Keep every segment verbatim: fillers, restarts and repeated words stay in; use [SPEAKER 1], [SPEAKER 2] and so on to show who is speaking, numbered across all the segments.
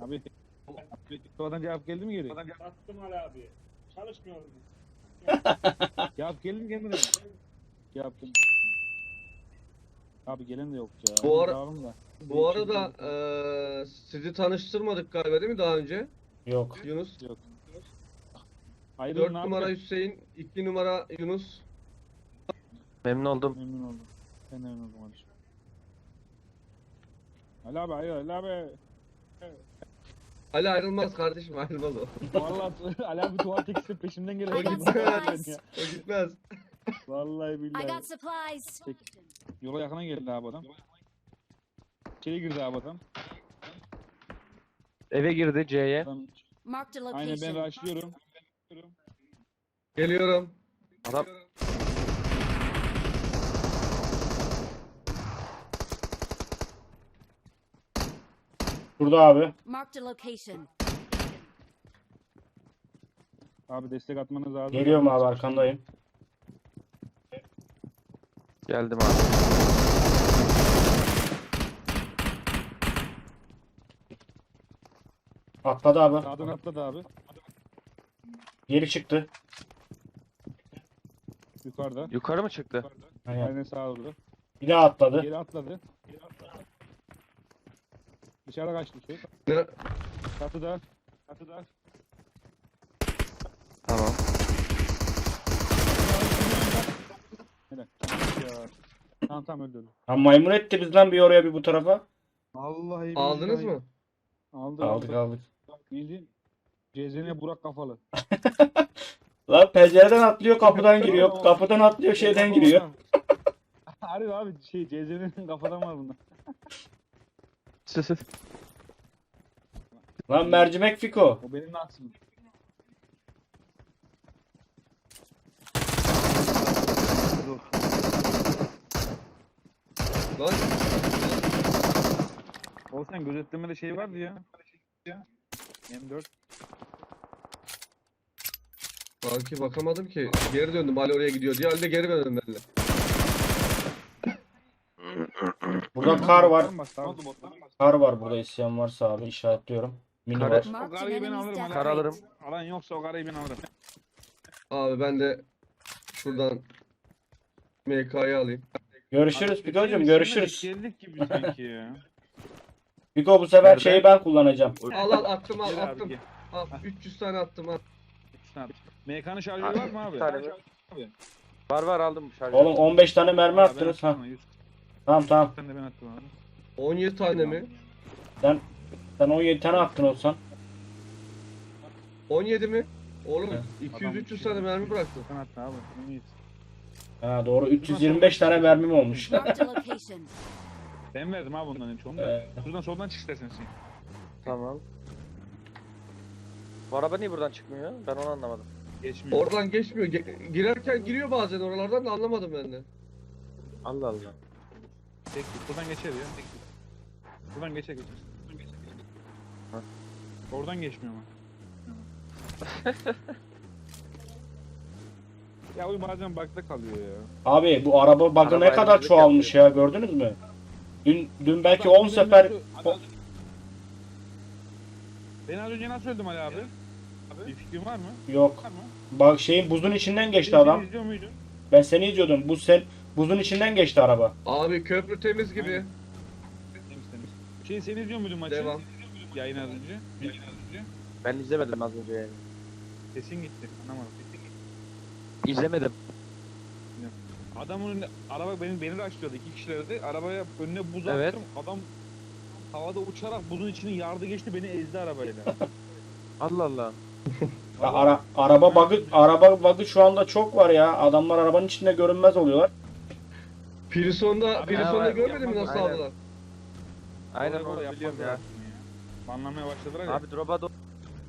[SPEAKER 1] Abi. Oradan cevap geldi mi geri?
[SPEAKER 2] Attım Ali abi. Çalışmıyor mu?
[SPEAKER 1] Cevap geldi mi kendine? Cevap geldi. Abi gelen de yok ya.
[SPEAKER 3] Bu ara-
[SPEAKER 1] Dağılım da.
[SPEAKER 3] Bu arada eee sizi tanıştırmadık galiba değil mi daha önce?
[SPEAKER 4] Yok.
[SPEAKER 3] Yunus.
[SPEAKER 1] Yok. Hayır,
[SPEAKER 3] dört
[SPEAKER 1] ne
[SPEAKER 3] numara
[SPEAKER 1] yapacak?
[SPEAKER 3] Hüseyin, iki numara Yunus.
[SPEAKER 5] Memnun oldum.
[SPEAKER 1] Memnun oldum. Ben de memnun oldum kardeşim. Ali abi, hayır Ali abi.
[SPEAKER 3] Ali ayrılmaz kardeşim, ayrılmaz o.
[SPEAKER 1] Vallahi Ali abi tuval tekisi peşimden geliyor.
[SPEAKER 3] O gitmez. O gitmez.
[SPEAKER 1] Vallahi
[SPEAKER 6] I
[SPEAKER 1] billahi.
[SPEAKER 6] got supplies.
[SPEAKER 1] Yola yakına geldi abi adam. İçeri girdi abi adam.
[SPEAKER 5] Eve girdi C'ye.
[SPEAKER 1] adam
[SPEAKER 6] Marked a
[SPEAKER 1] aynen ben
[SPEAKER 6] location.
[SPEAKER 1] rushlıyorum.
[SPEAKER 3] Geliyorum.
[SPEAKER 5] Adam
[SPEAKER 4] Burada abi.
[SPEAKER 6] Marked a location.
[SPEAKER 1] Abi destek atmanız lazım.
[SPEAKER 4] Geliyorum abi, arkandayım.
[SPEAKER 5] geldim abi.
[SPEAKER 4] Atladı abi.
[SPEAKER 1] Sağdan atladı abi.
[SPEAKER 4] Geri çıktı.
[SPEAKER 1] Yukarıda.
[SPEAKER 5] Yukarı mı çıktı?
[SPEAKER 4] Aynen.
[SPEAKER 1] Aynen sağa doğru.
[SPEAKER 4] Bir daha atladı.
[SPEAKER 1] Geri atladı. Geri atladı. Dışarı kaçtı şey.
[SPEAKER 3] Ne?
[SPEAKER 1] Çatıda. Çatıda.
[SPEAKER 5] Tamam.
[SPEAKER 1] Helal. Ya. Tamam tamam öldü öldü.
[SPEAKER 4] Ha, maymun etti biz lan bir oraya bir bu tarafa.
[SPEAKER 1] Vallahi
[SPEAKER 3] Aldınız
[SPEAKER 1] billahi.
[SPEAKER 3] mı?
[SPEAKER 1] Aldı,
[SPEAKER 4] Aldık
[SPEAKER 1] aldı.
[SPEAKER 4] aldık.
[SPEAKER 1] Bildiğin C Z'ne Burak kafalı.
[SPEAKER 4] Lan pencereden atlıyor, kapıdan giriyor. Kapıdan atlıyor, şeyden giriyor.
[SPEAKER 1] Harbi abi şey C Z'nin kafadan var bunda.
[SPEAKER 4] Lan mercimek Fiko.
[SPEAKER 1] O benim nasibim.
[SPEAKER 3] Lan
[SPEAKER 1] O sen gözetlemede şey vardı ya. M dört.
[SPEAKER 3] kanki bakamadım ki. Geri döndüm, Ali oraya gidiyor diye. Ali de geri döndüm ben de.
[SPEAKER 4] Burada kar var.
[SPEAKER 1] Tamam,
[SPEAKER 4] Kar var burada, isyan varsa abi işaretliyorum. Mini
[SPEAKER 5] Kar-
[SPEAKER 4] var.
[SPEAKER 1] O
[SPEAKER 6] Marked an
[SPEAKER 1] karayı ben
[SPEAKER 6] enemy's
[SPEAKER 1] alırım.
[SPEAKER 6] death
[SPEAKER 1] Alan,
[SPEAKER 5] Kar alırım.
[SPEAKER 6] rate.
[SPEAKER 1] alan yoksa o karayı ben alırım.
[SPEAKER 3] Abi ben de şuradan M K'yı alayım.
[SPEAKER 4] Görüşürüz
[SPEAKER 1] Abi,
[SPEAKER 4] Fiko'cum,
[SPEAKER 1] biz
[SPEAKER 4] görüşürüz.
[SPEAKER 1] seninle Geldik gibi sanki ya.
[SPEAKER 4] Fiko bu sefer
[SPEAKER 5] Nerede?
[SPEAKER 4] şeyi ben kullanacağım.
[SPEAKER 3] Al al attım al
[SPEAKER 1] Gel abi
[SPEAKER 3] attım.
[SPEAKER 1] gel.
[SPEAKER 3] Al üç yüz tane attım al.
[SPEAKER 1] Abi. M K'nın şarjörü var mı abi?
[SPEAKER 5] Bir tane mi? Var var aldım şarjı.
[SPEAKER 4] Oğlum on beş tane mermi
[SPEAKER 1] Abi ben
[SPEAKER 4] attınız ha.
[SPEAKER 1] attım ama yüz
[SPEAKER 4] Tamam tamam.
[SPEAKER 1] tane de ben attım abi.
[SPEAKER 3] on yedi tane mi?
[SPEAKER 4] Sen on yedi tane attın olsan.
[SPEAKER 3] on yedi mi? Oğlum
[SPEAKER 4] Evet.
[SPEAKER 3] iki yüz üç yüz tane mermi bıraktım.
[SPEAKER 1] Sen attın abi. En iyisi.
[SPEAKER 4] Ha doğru, üç yüz yirmi beş tane mermim olmuş.
[SPEAKER 6] Marked a location.
[SPEAKER 1] Ben verdim abi bundan en çoğunu da.
[SPEAKER 4] Ee,
[SPEAKER 1] Şuradan soldan çık istersen sen.
[SPEAKER 5] Tamam. Bu araba niye buradan çıkmıyor? Ben onu anlamadım.
[SPEAKER 1] Geçmiyor.
[SPEAKER 3] Oradan geçmiyor. Ge- girerken giriyor bazen oralardan da anlamadım ben de.
[SPEAKER 5] Allah Allah.
[SPEAKER 1] Tek git. Buradan geçer ya. Tek git. Buradan geçer geçer. Buradan geçer, geçer.
[SPEAKER 5] Ha.
[SPEAKER 1] Oradan geçmiyor ama. Ya o bazen bug'da kalıyor ya.
[SPEAKER 4] Abi bu araba bug'ı ne
[SPEAKER 5] Arabaya
[SPEAKER 4] kadar
[SPEAKER 5] hızlı
[SPEAKER 4] çoğalmış ya, gördünüz mü? Dün dün belki
[SPEAKER 1] Adam
[SPEAKER 4] on
[SPEAKER 1] beni
[SPEAKER 4] sefer
[SPEAKER 1] nasıl- adam- Ben az önce nasıl öldüm Ali abi? Bir fikrin var mı?
[SPEAKER 4] yok.
[SPEAKER 1] Var mı?
[SPEAKER 4] Bak şeyin buzun içinden geçti
[SPEAKER 1] Sen
[SPEAKER 4] adam.
[SPEAKER 1] izliyor muydun?
[SPEAKER 4] Ben seni izliyordum. Bu sen buzun içinden geçti araba.
[SPEAKER 3] Abi köprü temiz gibi.
[SPEAKER 1] Aynen. Temiz temiz. Şey sen izliyor muydun maçı?
[SPEAKER 3] Devam.
[SPEAKER 1] Yayın az önce. Yayın az önce.
[SPEAKER 5] Ben izlemedim az önce yani.
[SPEAKER 1] Sesin gitti. Anlamadım. Sesin gitti.
[SPEAKER 5] İzlemedim.
[SPEAKER 1] Adamın önünde, araba beni beni açlıyordu iki kişilerdi. Arabaya önüne buz
[SPEAKER 5] Evet.
[SPEAKER 1] attım. Adam havada uçarak buzun içini yardı geçti, beni ezdi arabayla.
[SPEAKER 5] Allah Allah.
[SPEAKER 4] Ya ara, araba bug'ı araba bug'ı şu anda çok var ya. Adamlar arabanın içinde görünmez oluyorlar.
[SPEAKER 3] Pirison'da,
[SPEAKER 1] Abi,
[SPEAKER 3] Pirison'da
[SPEAKER 5] evet,
[SPEAKER 3] görmedin mi
[SPEAKER 1] yapmaz,
[SPEAKER 3] nasıl
[SPEAKER 5] aynen.
[SPEAKER 3] aldılar?
[SPEAKER 5] Aynen
[SPEAKER 1] Orada
[SPEAKER 5] onu
[SPEAKER 1] yapmaz
[SPEAKER 5] biliyorum ya.
[SPEAKER 1] lazım Banlamaya başladılar ya.
[SPEAKER 5] Abi drop'a do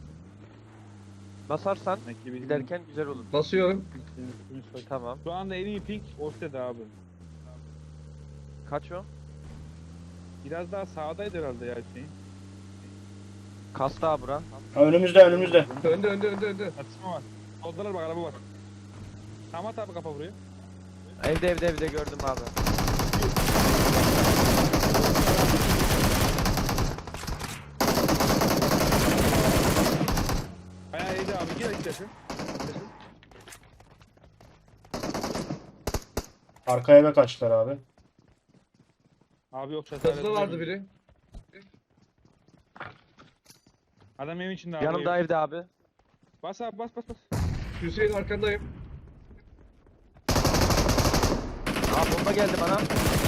[SPEAKER 5] basarsan
[SPEAKER 1] Demek ki bizim-
[SPEAKER 5] giderken güzel olur.
[SPEAKER 3] Basıyorum.
[SPEAKER 5] Tamam.
[SPEAKER 1] Şu anda en iyi ping Oste'de abi.
[SPEAKER 5] Kaç o?
[SPEAKER 1] Biraz daha sağdaydı herhalde ya şey.
[SPEAKER 5] Kasta bura.
[SPEAKER 4] Ha, önümüzde önümüzde.
[SPEAKER 3] Önde önde önde önde.
[SPEAKER 1] Atışma var. Soldalar bak, araba var. Tamam at abi kafa buraya.
[SPEAKER 5] Evde evde evde gördüm abi.
[SPEAKER 1] sesi.
[SPEAKER 4] Arka eve kaçtılar abi.
[SPEAKER 1] Abi yok çatı.
[SPEAKER 3] Çatıda vardı biri.
[SPEAKER 1] Adam evin içinde abi.
[SPEAKER 5] Yanımda evde abi.
[SPEAKER 1] Bas abi bas bas bas.
[SPEAKER 3] Hüseyin arkandayım.
[SPEAKER 5] Abi bomba geldi bana.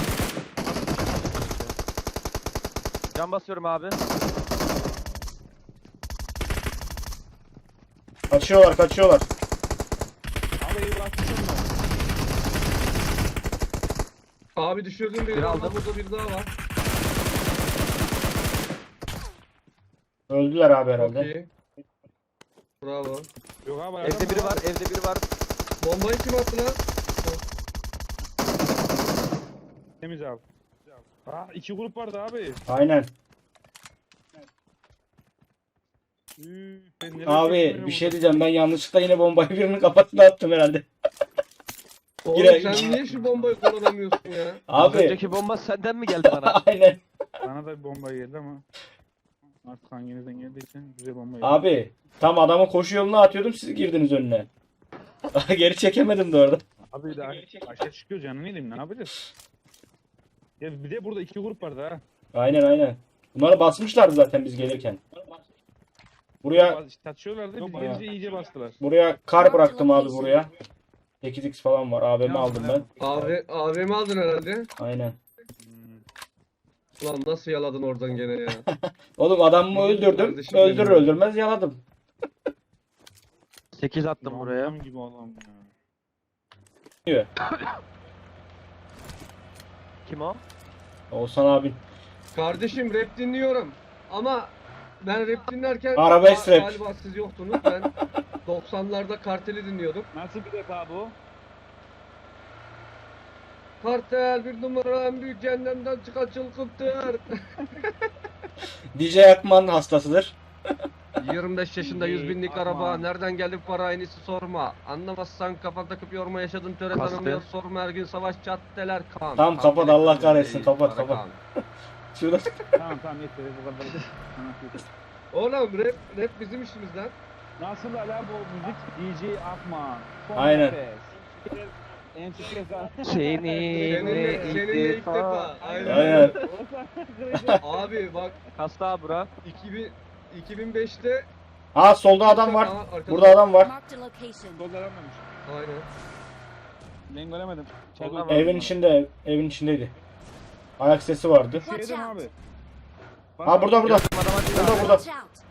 [SPEAKER 5] Can basıyorum abi.
[SPEAKER 4] Kaçıyorlar kaçıyorlar.
[SPEAKER 1] Abi evi bırakmışım ben.
[SPEAKER 3] Abi düşürdüm
[SPEAKER 5] Bir
[SPEAKER 3] bir daha.
[SPEAKER 5] aldım.
[SPEAKER 3] Burada bir daha var.
[SPEAKER 4] Öldüler abi
[SPEAKER 3] Çok
[SPEAKER 4] herhalde.
[SPEAKER 3] iyi. Bravo.
[SPEAKER 1] Yok abi.
[SPEAKER 5] Evde
[SPEAKER 1] adam
[SPEAKER 5] biri var, evde biri var.
[SPEAKER 3] Bombayı kim attı lan?
[SPEAKER 1] Temiz abi. Aa iki grup vardı abi.
[SPEAKER 4] Aynen.
[SPEAKER 1] Üü, ben nereye
[SPEAKER 4] Abi
[SPEAKER 1] çekmiyorum
[SPEAKER 4] bir şey
[SPEAKER 1] bunu?
[SPEAKER 4] diyeceğim, ben yanlışlıkla yine bombayı birinin kafasına attım herhalde.
[SPEAKER 3] Oğlum
[SPEAKER 4] Yine-
[SPEAKER 3] sen niye şu bombayı kullanamıyorsun ya?
[SPEAKER 5] Az
[SPEAKER 4] Abi
[SPEAKER 5] önceki bomba senden mi geldi bana?
[SPEAKER 4] aynen.
[SPEAKER 1] Bana da bir bomba geldi ama. Artık hanginizden geldiyse güzel bomba geldi.
[SPEAKER 4] Abi tam adamın koşu yoluna atıyordum, siz girdiniz önüne. Geri çekemedim de orada.
[SPEAKER 1] Abi daha aşağı çıkıyor canım yedim ne yapacağız? Ya bir de burada iki grup vardı ha.
[SPEAKER 4] Aynen aynen. Bunları basmışlardı zaten biz gelirken. Buraya
[SPEAKER 1] Bazı Tartışıyorlardı biz
[SPEAKER 4] Yok
[SPEAKER 1] gelince iyice bastılar.
[SPEAKER 4] buraya kar bıraktım abi buraya. sekiz x falan var. A V M aldım ben.
[SPEAKER 3] Abi A V M aldın herhalde.
[SPEAKER 4] Aynen.
[SPEAKER 1] Hmm.
[SPEAKER 3] Ulan nasıl yaladın oradan gene ya?
[SPEAKER 4] Oğlum adamımı öldürdüm.
[SPEAKER 3] Kardeşim
[SPEAKER 4] Öldürür
[SPEAKER 3] benim.
[SPEAKER 4] öldürmez yaladım.
[SPEAKER 5] sekiz attım buraya.
[SPEAKER 1] Adam gibi adam ya.
[SPEAKER 4] Diyor.
[SPEAKER 5] Kim o?
[SPEAKER 4] Oğuzhan abin.
[SPEAKER 3] Kardeşim rap dinliyorum. Ama ben rap dinlerken
[SPEAKER 4] Arabesk
[SPEAKER 3] Ga-
[SPEAKER 4] rap.
[SPEAKER 3] galiba siz yoktunuz. Ben doksanlarda Kartel'i dinliyordum.
[SPEAKER 1] Nasıl bir rap abi o?
[SPEAKER 3] Kartel bir numara en büyük cehennemden çıkan çılgıntır.
[SPEAKER 4] D J Akman hastasıdır.
[SPEAKER 3] yirmi beş yaşında yüz binlik
[SPEAKER 1] Aman.
[SPEAKER 3] araba. Nereden geldi bu para en iyisi sorma. Anlamazsan kafan takıp yorma yaşadın töre
[SPEAKER 5] Kastı.
[SPEAKER 3] tanımıyor. Sorma her gün savaş caddeler kan.
[SPEAKER 4] Tamam,
[SPEAKER 3] Kan
[SPEAKER 4] kapat,
[SPEAKER 3] bile
[SPEAKER 4] Allah
[SPEAKER 3] kan
[SPEAKER 4] kahretsin,
[SPEAKER 3] değil,
[SPEAKER 4] kapat,
[SPEAKER 3] para
[SPEAKER 4] kapat.
[SPEAKER 3] kan.
[SPEAKER 4] Şurada.
[SPEAKER 1] Tamam tamam yeter bu kadar. Anasını satayım.
[SPEAKER 3] Oğlum rap, rap bizim işimiz lan.
[SPEAKER 1] Nasıl ala bu müzik? D J Akman. Son
[SPEAKER 4] Aynen.
[SPEAKER 1] nefes. En çok kez
[SPEAKER 5] Seninle
[SPEAKER 3] Seninle, seninle ilk
[SPEAKER 5] ilk defa.
[SPEAKER 3] defa. Aynen.
[SPEAKER 4] Aynen.
[SPEAKER 3] Abi bak
[SPEAKER 5] Kasta abi bura.
[SPEAKER 3] iki bin, iki bin beşte
[SPEAKER 4] Ha solda adam var.
[SPEAKER 3] Aa, arkada-
[SPEAKER 4] Burada adam var.
[SPEAKER 6] Marked a location.
[SPEAKER 1] Solda aranmamış.
[SPEAKER 3] Aynen.
[SPEAKER 1] Ben göremedim. İçeride
[SPEAKER 5] Solda
[SPEAKER 1] var.
[SPEAKER 4] Evin içinde, evin içindeydi. Ayak sesi vardı.
[SPEAKER 1] Şu evde mi abi?
[SPEAKER 4] Ha burada burada.
[SPEAKER 5] Adama değil
[SPEAKER 4] Burada
[SPEAKER 5] abi.
[SPEAKER 4] burada.
[SPEAKER 6] Watch out.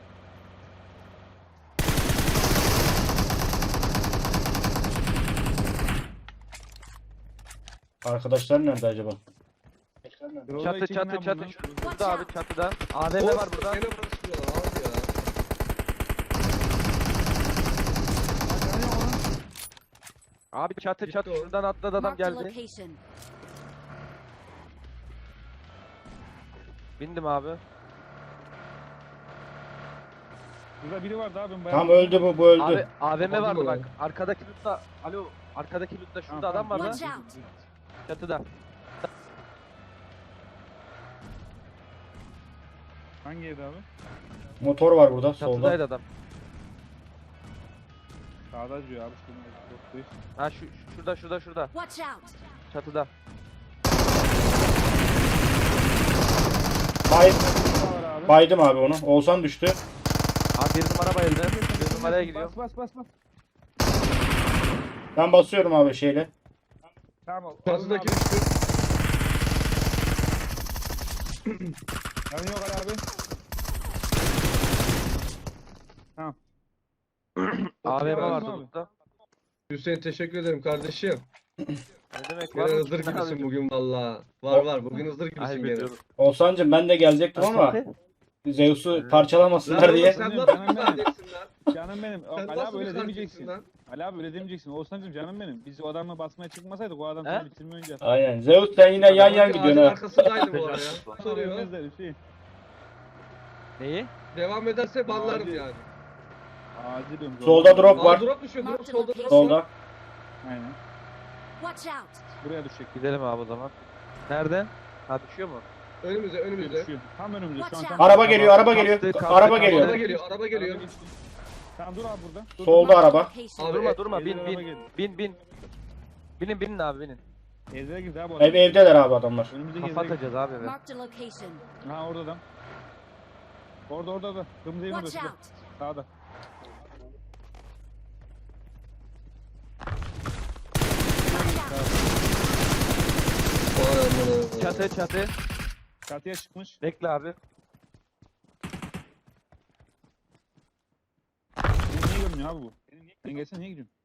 [SPEAKER 4] Arkadaşlar nerede acaba?
[SPEAKER 5] Çatı çatı çatı. Şurada abi çatıda. A V M var burada.
[SPEAKER 3] Gene basıyorlar abi ya.
[SPEAKER 5] Abi çatı
[SPEAKER 3] Gitti
[SPEAKER 5] çatı
[SPEAKER 3] o.
[SPEAKER 5] şuradan atladı adam
[SPEAKER 6] Marked a
[SPEAKER 5] geldi.
[SPEAKER 6] location.
[SPEAKER 5] Bindim abi.
[SPEAKER 1] Burada biri vardı abi. ben bayağı-
[SPEAKER 4] Tam öldü bu, bu öldü.
[SPEAKER 5] Abi A V M
[SPEAKER 3] Kapadı
[SPEAKER 5] vardı
[SPEAKER 3] mı
[SPEAKER 5] bak.
[SPEAKER 3] lan?
[SPEAKER 5] Arkadaki lootta. Alo. Arkadaki lootta şurada
[SPEAKER 1] Tamam,
[SPEAKER 5] adam var
[SPEAKER 1] tamam.
[SPEAKER 5] lan.
[SPEAKER 6] Watch out.
[SPEAKER 5] Çatıda.
[SPEAKER 1] Hangi evde abi?
[SPEAKER 4] Motor var burada solda.
[SPEAKER 5] Çatıdaydı adam.
[SPEAKER 1] Sağda diyor abi. Şimdi yok,
[SPEAKER 5] Ha şu şu- şurada şurada şurada.
[SPEAKER 6] Watch out.
[SPEAKER 5] Çatıda.
[SPEAKER 4] Bay,
[SPEAKER 1] Burada var abi.
[SPEAKER 4] baydım abi onu. Oğuzhan düştü.
[SPEAKER 5] Abi bir numara bayıldı. Bir numaraya gidiyor.
[SPEAKER 1] Bas bas bas bas.
[SPEAKER 4] Ben basıyorum abi şeyle.
[SPEAKER 1] Tamam.
[SPEAKER 3] Çatıdaki
[SPEAKER 1] Alın abi.
[SPEAKER 3] düştü.
[SPEAKER 1] Yanı yok Ali abi. Tamam.
[SPEAKER 5] A V M
[SPEAKER 3] Abi.
[SPEAKER 5] vardı lootta.
[SPEAKER 3] Hüseyin teşekkür ederim kardeşim.
[SPEAKER 5] Ne demek
[SPEAKER 3] Gene
[SPEAKER 5] var mı?
[SPEAKER 3] hızır gibisin bugün valla. Var var bugün hızır gibisin
[SPEAKER 5] Ay
[SPEAKER 3] gene.
[SPEAKER 5] biliyorum.
[SPEAKER 4] Oğuzhan'cım ben de gelecektim ama Zeus'u parçalamasınlar
[SPEAKER 3] Lan
[SPEAKER 4] diye.
[SPEAKER 3] oğlum sen nasıl bir kardeşsin lan?
[SPEAKER 1] Canım benim.
[SPEAKER 3] Sen
[SPEAKER 1] Ali abi
[SPEAKER 3] nasıl
[SPEAKER 1] öyle
[SPEAKER 3] bir
[SPEAKER 1] demeyeceksin.
[SPEAKER 3] kardeşsin lan?
[SPEAKER 1] Ali abi öyle demeyeceksin. Oğuzhan'cım canım benim. Biz o adamla basmaya çıkmasaydık o adam
[SPEAKER 5] He?
[SPEAKER 1] seni bitirme önce.
[SPEAKER 4] Aynen. Zeus sen yine yan yan
[SPEAKER 3] Ağacın
[SPEAKER 4] gidiyorsun ha.
[SPEAKER 3] arkasındaydı bu ara ya. Soruyor.
[SPEAKER 1] Ölmezler Hüseyin.
[SPEAKER 5] Neyi?
[SPEAKER 3] Devam ederse banlarım
[SPEAKER 1] Ağacı-
[SPEAKER 3] yani.
[SPEAKER 1] Acil diyorum.
[SPEAKER 4] Solda drop
[SPEAKER 3] Aa,
[SPEAKER 4] var.
[SPEAKER 3] drop düşüyor. Drop solda drop.
[SPEAKER 4] Solda.
[SPEAKER 1] Aynen.
[SPEAKER 6] Watch out.
[SPEAKER 1] Buraya düşecek.
[SPEAKER 5] Gidelim abi o zaman. Nerede? Ha düşüyor mu?
[SPEAKER 3] Önümüzde önümüzde.
[SPEAKER 1] Düşüyor. Tam önümüzde şu an tam.
[SPEAKER 4] Araba geliyor, araba geliyor.
[SPEAKER 5] Kalktı, kalktı,
[SPEAKER 4] Araba
[SPEAKER 5] kalktı.
[SPEAKER 4] geliyor.
[SPEAKER 3] Araba geliyor. Araba geliyor.
[SPEAKER 1] Araba geçti. Sen dur abi burada. Dur,
[SPEAKER 4] Solda
[SPEAKER 6] Marked a
[SPEAKER 4] araba.
[SPEAKER 6] location.
[SPEAKER 3] Abi,
[SPEAKER 5] Durma
[SPEAKER 3] e-
[SPEAKER 5] durma bin
[SPEAKER 1] Evlere araba
[SPEAKER 5] bin.
[SPEAKER 1] geldi.
[SPEAKER 5] Bin bin. Binin binin abi binin.
[SPEAKER 1] Evlere girdi abi.
[SPEAKER 4] Ev evdeler abi adamlar.
[SPEAKER 1] Önümüzdeki
[SPEAKER 5] Kafa
[SPEAKER 1] evlere
[SPEAKER 5] atacağız abi eve.
[SPEAKER 6] Marked a location.
[SPEAKER 1] girdi. Ha orada adam. Orada orada da. Kırmızı evin
[SPEAKER 6] Watch
[SPEAKER 1] orada.
[SPEAKER 6] out.
[SPEAKER 1] Sağda.
[SPEAKER 6] Watch out.
[SPEAKER 3] Vay amına.
[SPEAKER 5] Çatı çatı.
[SPEAKER 1] Çatıya çıkmış.
[SPEAKER 5] Bekle abi.
[SPEAKER 1] Beni niye görmüyor abi bu? Sen gelsene niye gidiyorsun?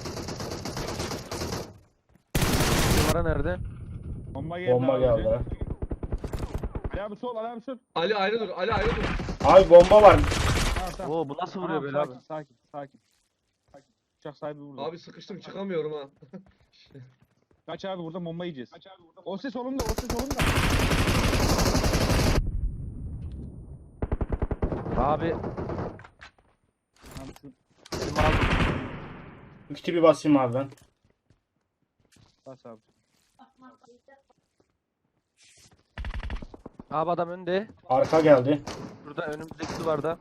[SPEAKER 5] Numara nerede?
[SPEAKER 1] Bomba geldi
[SPEAKER 4] Bomba
[SPEAKER 1] abi.
[SPEAKER 4] geldi. ha.
[SPEAKER 1] Ali abi sol, Ali abi sol.
[SPEAKER 3] Ali ayrı dur. Ali ayrı dur.
[SPEAKER 4] Abi bomba var.
[SPEAKER 1] Tamam tamam.
[SPEAKER 5] Oo bu nasıl vuruyor
[SPEAKER 1] Tamam,
[SPEAKER 5] böyle
[SPEAKER 1] sakin,
[SPEAKER 5] abi?
[SPEAKER 1] Sakin sakin. Sakin. Uçak sahibi burada.
[SPEAKER 3] Abi sıkıştım çıkamıyorum ha.
[SPEAKER 1] Kaç abi burada bomba yiyeceğiz. Kaç abi burada. O ses solumda, o ses solumda.
[SPEAKER 5] Abi
[SPEAKER 1] Abi şu
[SPEAKER 5] elimi aldım.
[SPEAKER 4] Bu kiti bir basayım abi ben.
[SPEAKER 1] bas abi.
[SPEAKER 5] Abi adam önde.
[SPEAKER 4] Arka geldi.
[SPEAKER 5] Burada önümüzdeki duvarda.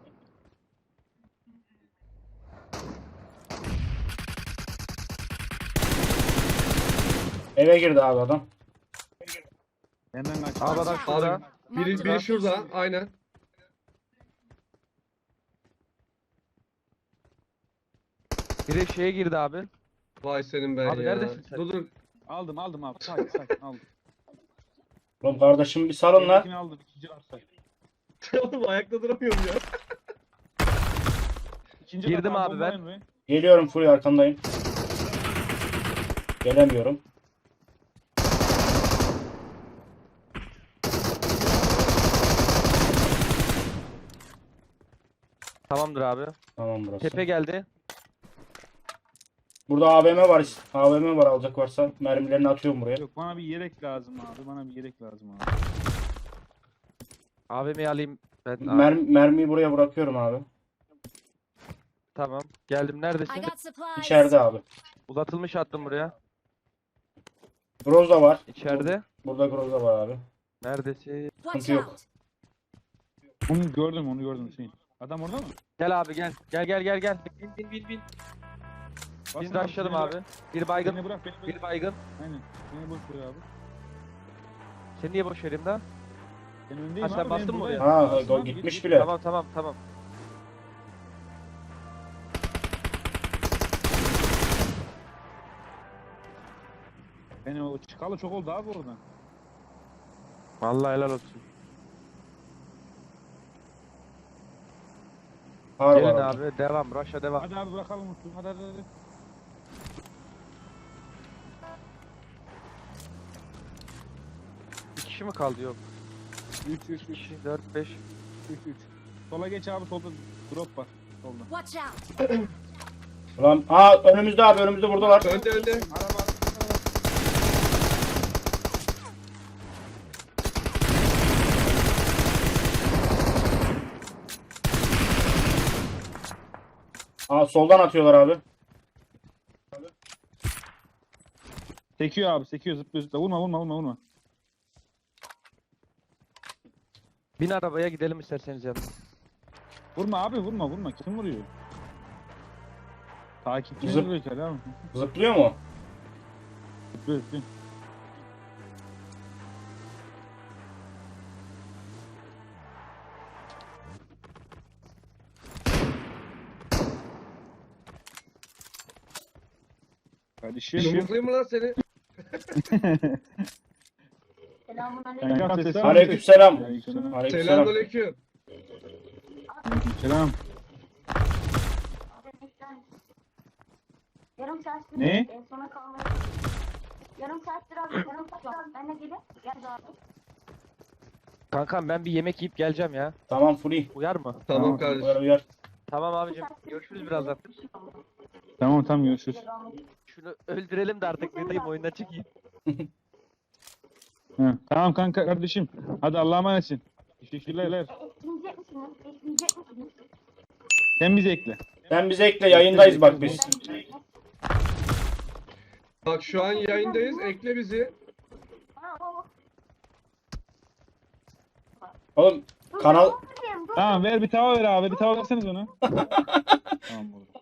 [SPEAKER 4] Eve girdi abi adam.
[SPEAKER 1] Benden kaç.
[SPEAKER 5] Abi adam
[SPEAKER 6] Watch
[SPEAKER 5] şurada.
[SPEAKER 6] out.
[SPEAKER 3] Biri,
[SPEAKER 6] Marked a
[SPEAKER 3] biri şurada.
[SPEAKER 6] location.
[SPEAKER 3] Aynen.
[SPEAKER 5] Biri şeye girdi abi.
[SPEAKER 3] Vay senin ben
[SPEAKER 5] Abi
[SPEAKER 3] ya.
[SPEAKER 5] neredesin sen?
[SPEAKER 3] Dur dur.
[SPEAKER 1] Aldım aldım abi. Sakin sakin aldım.
[SPEAKER 4] Oğlum kardeşim bir salın lan.
[SPEAKER 1] İlkini aldım. İkinci varsa.
[SPEAKER 3] Oğlum ayakta duramıyorum ya.
[SPEAKER 1] İkinci
[SPEAKER 5] Girdim
[SPEAKER 1] kat
[SPEAKER 5] abi
[SPEAKER 1] bomba
[SPEAKER 5] ben.
[SPEAKER 1] Emre.
[SPEAKER 4] Geliyorum full arkandayım. Gelemiyorum.
[SPEAKER 5] Tamamdır abi.
[SPEAKER 4] Tamam burası.
[SPEAKER 5] Tepe geldi.
[SPEAKER 4] Burada A V M var. A V M var alacak varsa. Mermilerini atıyorum buraya.
[SPEAKER 1] Yok bana bir yelek lazım abi. Bana bir yelek lazım abi.
[SPEAKER 5] A V M'yi alayım. Ben abi.
[SPEAKER 4] Mer mermiyi buraya bırakıyorum abi.
[SPEAKER 5] Tamam. Geldim
[SPEAKER 6] I
[SPEAKER 5] neredesin?
[SPEAKER 6] got supplies.
[SPEAKER 4] İçeride abi.
[SPEAKER 5] Uzatılmış attım buraya.
[SPEAKER 4] Groza var.
[SPEAKER 5] İçeride.
[SPEAKER 4] Burada Groza var abi.
[SPEAKER 5] Neredesin?
[SPEAKER 6] Watch
[SPEAKER 4] Sıkıntı yok.
[SPEAKER 6] out.
[SPEAKER 1] Onu gördüm onu gördüm Hüseyin. Adam orada mı?
[SPEAKER 5] Gel abi gel. Gel gel gel gel. Bin bin bin bin.
[SPEAKER 1] Basın
[SPEAKER 5] Bin başladım
[SPEAKER 1] beni
[SPEAKER 5] abi.
[SPEAKER 1] bırak.
[SPEAKER 5] Bir baygın.
[SPEAKER 1] Beni bırak beni bırak.
[SPEAKER 5] Bir baygın.
[SPEAKER 1] Aynen. Beni boş ver abi.
[SPEAKER 5] Seni niye boş vereyim lan?
[SPEAKER 1] Ben öndeyim
[SPEAKER 5] Ha, sen
[SPEAKER 1] abi.
[SPEAKER 5] bastın
[SPEAKER 1] benim
[SPEAKER 5] mı
[SPEAKER 1] burada
[SPEAKER 5] oraya?
[SPEAKER 1] ya.
[SPEAKER 4] Ha
[SPEAKER 1] Bastım
[SPEAKER 4] o
[SPEAKER 1] abi,
[SPEAKER 4] gitmiş
[SPEAKER 1] git,
[SPEAKER 4] bile.
[SPEAKER 5] Tamam tamam tamam.
[SPEAKER 1] git. Beni o çıkalı çok oldu abi oradan.
[SPEAKER 5] Vallahi helal olsun.
[SPEAKER 4] Har
[SPEAKER 5] Gelin
[SPEAKER 4] var orada.
[SPEAKER 5] abi devam. Rush'a devam.
[SPEAKER 1] Hadi abi bırakalım Mutlu. Hadi hadi hadi.
[SPEAKER 5] Bir kişi mi kaldı yok?
[SPEAKER 1] üç üç
[SPEAKER 5] İki
[SPEAKER 1] üç
[SPEAKER 5] kişi dört beş.
[SPEAKER 1] üç üç. Sola geç abi solda drop var. Solda.
[SPEAKER 6] Watch out.
[SPEAKER 4] Ulan aa önümüzde abi önümüzde buradalar.
[SPEAKER 3] Önde önde.
[SPEAKER 1] Araba araba.
[SPEAKER 4] Aa soldan atıyorlar abi.
[SPEAKER 1] Sekiyor abi sekiyor zıplıyor zıplıyor. Vurma vurma vurma vurma.
[SPEAKER 5] Bin arabaya gidelim isterseniz yanına.
[SPEAKER 1] Vurma abi vurma vurma. Kim vuruyor? Takipçi
[SPEAKER 4] Zıp-
[SPEAKER 1] vuruyor ki abi.
[SPEAKER 4] Zıplıyor mu?
[SPEAKER 1] Zıplıyor zıplıyor. Kardeşim.
[SPEAKER 3] Yumruklayayım mı lan seni?
[SPEAKER 1] Kankam sesler
[SPEAKER 4] Aleykümselam.
[SPEAKER 1] Aleykümselam.
[SPEAKER 4] Aleykümselam.
[SPEAKER 3] Selamünaleyküm.
[SPEAKER 1] Selam.
[SPEAKER 7] Yarım saat
[SPEAKER 1] Ne?
[SPEAKER 7] En sona kalmayı. Yarım saattir abi. Yarım saat var. Ben de gelip gel abi.
[SPEAKER 5] Kankam ben bir yemek yiyip geleceğim ya.
[SPEAKER 4] Tamam free.
[SPEAKER 5] Uyar mı?
[SPEAKER 3] Tamam
[SPEAKER 1] Tamam.
[SPEAKER 3] kardeşim.
[SPEAKER 4] Uyar uyar.
[SPEAKER 5] Tamam abicim. Görüşürüz birazdan.
[SPEAKER 1] Tamam tamam görüşürüz.
[SPEAKER 5] Şunu öldürelim de artık ne diyeyim oyundan çıkayım.
[SPEAKER 1] Ha, tamam kanka kardeşim. Hadi Allah'a emanetsin. Teşekkürler.
[SPEAKER 7] Ekleyecek misiniz? Ekleyecek misiniz?
[SPEAKER 1] Sen bizi ekle.
[SPEAKER 4] Sen bize ekle yayındayız bak biz.
[SPEAKER 3] Bak şu an yayındayız. Ekle bizi.
[SPEAKER 7] Ha, o.
[SPEAKER 4] Oğlum kanal
[SPEAKER 7] Dur, dur.
[SPEAKER 1] Tamam ver bir tava ver abi. Bir tava verseniz ona. Tamam olur.